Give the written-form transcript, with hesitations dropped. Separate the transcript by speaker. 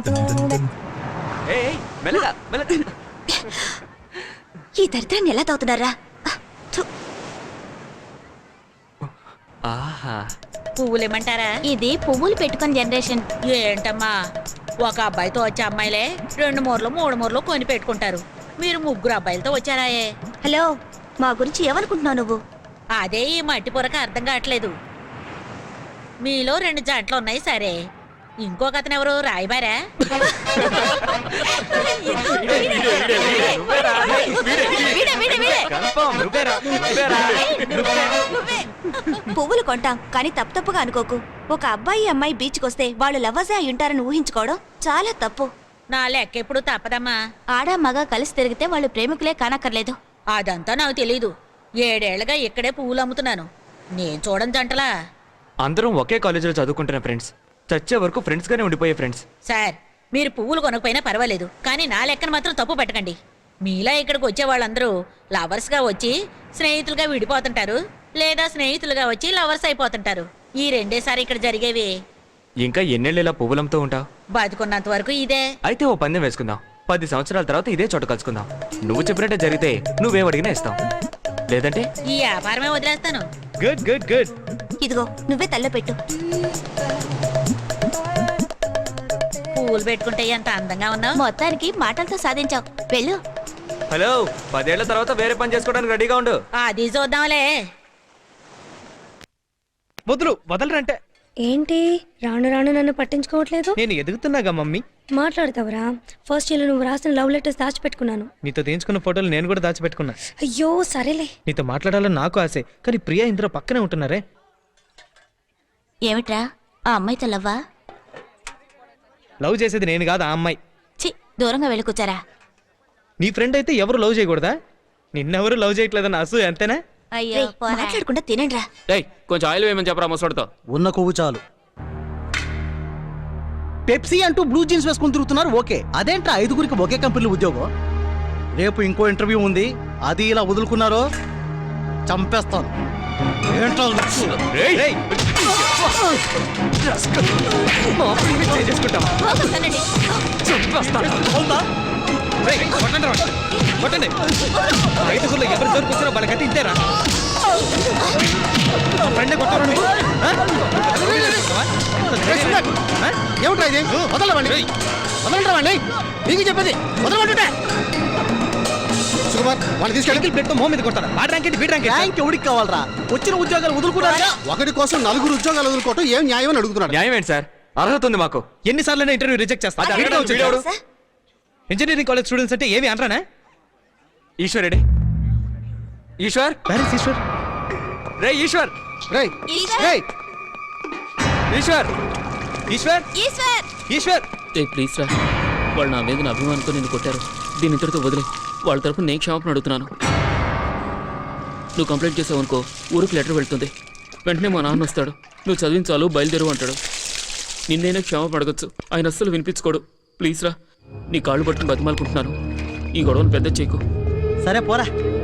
Speaker 1: ఈ దరిద్రాన్ని ఎలా తాగుతున్నారా?
Speaker 2: పువ్వులేమంటారా?
Speaker 1: ఇది పువ్వులు పెట్టుకుని జనరేషన్.
Speaker 2: ఏంటమ్మా, ఒక అబ్బాయితో వచ్చే అమ్మాయిలే 2 మూరలు 3 మూరలు కొని పెట్టుకుంటారు. మీరు 3 అబ్బాయిలతో వచ్చారాయే.
Speaker 1: హలో, మా గురించి ఏమనుకుంటున్నావు నువ్వు?
Speaker 2: అదే ఈ మట్టి పొరకు అర్థం కావట్లేదు. మీలో 2 జంటలు ఉన్నాయి సరే, ఇంకొక అతను ఎవరు? రాయబారా?
Speaker 1: పువ్వులు కొంటాం కానీ తప్పుగా అనుకోకు. ఒక అబ్బాయి అమ్మాయి బీచ్కి వస్తే వాళ్ళు లవ్వర్సే అయి ఉంటారని ఊహించుకోవడం చాలా తప్పు.
Speaker 2: నా లెక్క ఎప్పుడు తప్పదమ్మా.
Speaker 1: ఆడా మగ కలిసి తిరిగితే వాళ్ళు ప్రేమికులే కానక్కర్లేదు.
Speaker 2: అదంతా నాకు తెలీదు. 7 ఏళ్లుగా ఇక్కడే పువ్వులు అమ్ముతున్నాను. నేను చూడని జంటలా.
Speaker 3: అందరం ఒకే కాలేజీలో చదువుకుంటున్న ఫ్రెండ్స్, చచ్చే వరకు ఫ్రెండ్స్ గానే ఉండిపోయే ఫ్రెండ్స్.
Speaker 2: సార్, మీరు పువ్వులు కొనకపోయినా పర్వాలేదు, కానీ నా లెక్కను మాత్రం తప్పు పెట్టకండి. మీలా ఇక్కడికి వచ్చే వాళ్ళందరూ లవర్స్ గా వచ్చి స్నేహితులుగా విడిపోతుంటారు, లేదా స్నేహితులుగా వచ్చి లవర్స్ అయిపోతుంటారు. ఈ 2 సారి ఇక్కడ జరిగేవి.
Speaker 3: ఇంకా ఎన్నేళ్ళు ఇలా పువ్వులంతో ఉంటావు?
Speaker 2: బతుకున్నంత వరకు ఇదే.
Speaker 3: అయితే ఓ పందెం వేసుకుందాం. 10 సంవత్సరాల తర్వాత ఇదే చోట కలుసుకుందాం. నువ్వు చెప్పినట్టే జరిగితే నువ్వేం అడిగినా ఇస్తాం, లేదంటే
Speaker 2: ఈ వ్యాపారమే వదిలేస్తాను.
Speaker 3: Good good good.
Speaker 1: ఇదిగో నువ్వే తల్లో పెట్టు.
Speaker 2: పువ్వులు పెట్టుకుంటే ఎంత అందంగా ఉన్నావు.
Speaker 1: మొత్తానికి మాటలతో సాధించావు. వెళ్ళు.
Speaker 3: హలో, 10 ఏళ్ల తర్వాత వేరే పని చేసుకోవడానికి రెడీగా ఉండు.
Speaker 2: అది చూద్దాంలే.
Speaker 4: వదలరంటే
Speaker 5: ఏంటి రాను రాను నన్ను పట్టించుకోవట్లేదు?
Speaker 4: నేను ఎదుగుతున్నాగా మమ్మీ.
Speaker 5: మాట్లాడతావరా? ఫస్ట్ ఇయర్ నువ్వు రాసిన లవ్ లెటర్స్ దాచిపెట్టుకున్నాను.
Speaker 4: నీతో తీయించుకున్న ఫోటోలు నేను కూడా దాచిపెట్టుకున్నా.
Speaker 5: అయ్యో సరేలే.
Speaker 4: నీతో మాట్లాడాలని నాకు ఆశే, కానీ ప్రియా ఇందులో పక్కనే ఉంటున్నారే.
Speaker 1: ఏమిట్రా, ఆ అమ్మాయితో లవ్వా?
Speaker 4: లవ్ చేసేది నేను కాదు, ఆ అమ్మాయి.
Speaker 1: చి, దూరంగా వెళ్ళి కూర్చారా.
Speaker 4: నీ ఫ్రెండ్ అయితే ఎవరు లవ్ చేయకూడదా? నిన్నెవరు లవ్ చేయట్లేదన్న అసూ అంతేనా?
Speaker 1: అయ్యో, మాట్లాడకుండా తినండిరా.
Speaker 6: కొంచెం ఆయిల్ వేయమని చెప్పరా ముసడితో.
Speaker 7: ఉన్న కొవ్వు చాలు. పెప్సీ అంటూ బ్లూ జీన్స్ వేసుకుని తిరుగుతున్నారు. ఓకే, అదేంట్రా 5గురికి ఒకే కంపెనీలో ఉద్యోగం? రేపు ఇంకో ఇంటర్వ్యూ ఉంది, అది ఇలా వదులుకున్నారో చంపేస్తాను. ఏంట్రా
Speaker 4: ఐదుగురులో ఎవరు దొరికొచ్చినా వాళ్ళకంటే ఇంతేరా.
Speaker 7: ఏమిట్రా ఇది? వదలవండి, వదలండి, మీకు చెప్పేది వదలమంటుంటే. సుకుమార్, వాళ్ళు తీసుకెళ్ళి
Speaker 4: ప్లేట్ మొహం మీద కొడతారా? ఆ ర్యాంక్ ఏంటి, బీట్ ర్యాంక్ ఏంటి?
Speaker 7: ఎవరికి కావాలరా? వచ్చిన ఉద్యోగాలు వదులుకున్నారా? ఒకటి కోసం 4 ఉద్యోగాలు వదులుకోవటం ఏం న్యాయం అని అడుగుతున్నాడు.
Speaker 3: న్యాయం ఏంటి సార్? అర్హత ఉంది మాకు.
Speaker 4: ఎన్నిసార్లు ఇంటర్వ్యూ రిజెక్ట్ చేస్తా? ఇంజనీరింగ్ కాలేజ్ స్టూడెంట్స్ అంటే ఏమి అనరానా?
Speaker 3: ఈశ్వర్ రెడ్డి. ఈశ్వర్,
Speaker 4: ఈశ్వర్
Speaker 3: రే ఈశ్వర్,
Speaker 7: రే రే
Speaker 3: ఈశ్వర్,
Speaker 4: ఈశ్వర్, ఈశ్వర్.
Speaker 6: ప్లీజ్ రా, వాళ్ళు నా మీద అభిమానంతో నిన్ను కొట్టారు. దీని ఇంతటితో వదిలే. వాళ్ళ తరఫున నేను క్షమాపణ అడుగుతున్నాను. నువ్వు కంప్లైంట్ చేసావు అనుకో, ఊరికి లెటర్ వెళ్తుంది. వెంటనే మా నాన్న వస్తాడు, నువ్వు చదివించాలు బయలుదేరు అంటాడు. నిన్నైనా క్షమాపణ అడగచ్చు, ఆయన అస్సలు వినిపించుకోడు. ప్లీజ్ రా, నీ కాళ్ళు పట్టుకుని బతిమాలుకుంటున్నాను. ఈ గొడవను పెద్ద చేయకు.
Speaker 7: సరే పోరా.